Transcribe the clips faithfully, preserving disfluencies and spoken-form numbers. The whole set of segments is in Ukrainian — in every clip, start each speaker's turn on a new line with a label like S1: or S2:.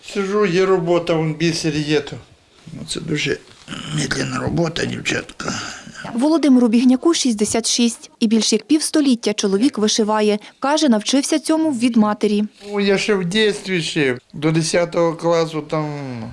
S1: Сижу, є робота, вон бісер є. То. Ну, це дуже медленна робота, дівчатка.
S2: Володимиру Бігняку шістдесят шість. І більш як півстоліття чоловік вишиває. Каже, навчився цьому від матері.
S1: Ну, я ще в дитинстві шив. До десятого класу там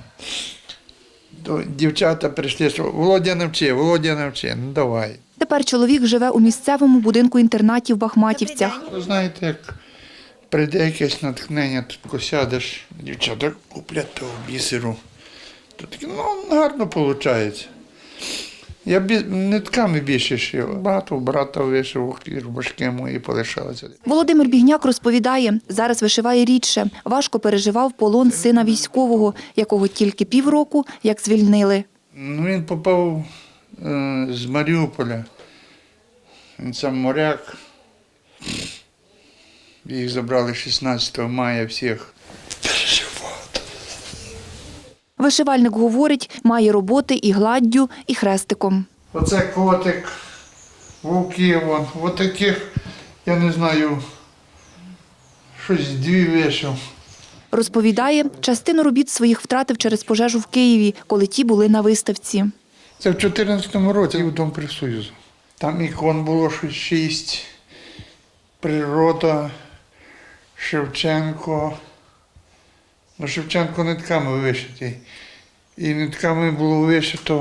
S1: до, дівчата прийшли, що Володя навчи, Володя навчи, ну давай.
S2: Тепер чоловік живе у місцевому будинку-інтернаті в Бахматівцях.
S1: Ви знаєте, як прийде якесь натхнення, тут сядеш, дівчата куплять того бісеру. То таке, ну, гарно виходить. Я бі... нитками більше шив. Багато брата вишив, і рубашки мої полишалися.
S2: Володимир Бігняк розповідає, зараз вишиває рідше. Важко переживав полон сина військового, якого тільки півроку, як звільнили.
S1: Ну, він попав е, з Маріуполя. Він сам моряк. Їх забрали шістнадцятого мая всіх. Переживав.
S2: Вишивальник говорить, має роботи і гладдю, і хрестиком.
S1: Оце котик, вовки, вон, от таких, я не знаю, щось дві вишив.
S2: Розповідає, частину робіт своїх втратив через пожежу в Києві, коли ті були на виставці.
S1: Це в чотирнадцятому році в Дом Профсоюзу. Там ікон було щось шість. Природа, Шевченко. Ну, Шевченко нитками вишитий. І нитками було вишито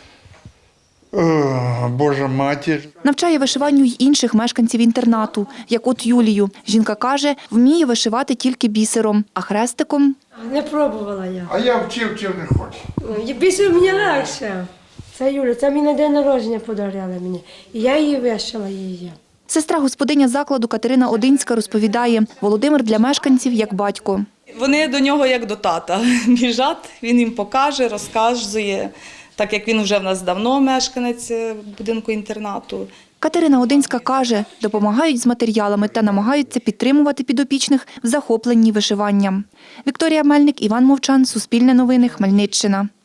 S1: о, Божа Матір.
S2: Навчає вишиванню й інших мешканців інтернату, як от Юлію. Жінка каже, вміє вишивати тільки бісером, а хрестиком
S3: Не пробувала я.
S1: А я вчив, вчив не хочу.
S3: Більше мені легше. Це Юля, це мені на день народження подарували мені. І я її вишила її.
S2: Сестра господиня закладу Катерина Одинська розповідає, Володимир для мешканців як батько.
S4: Вони до нього як до тата біжать, він їм покаже, розказує, так як він вже в нас давно мешканець будинку-інтернату.
S2: Катерина Одинська каже, допомагають з матеріалами та намагаються підтримувати підопічних в захопленні вишиванням. Вікторія Мельник, Іван Мовчан, Суспільне новини, Хмельниччина.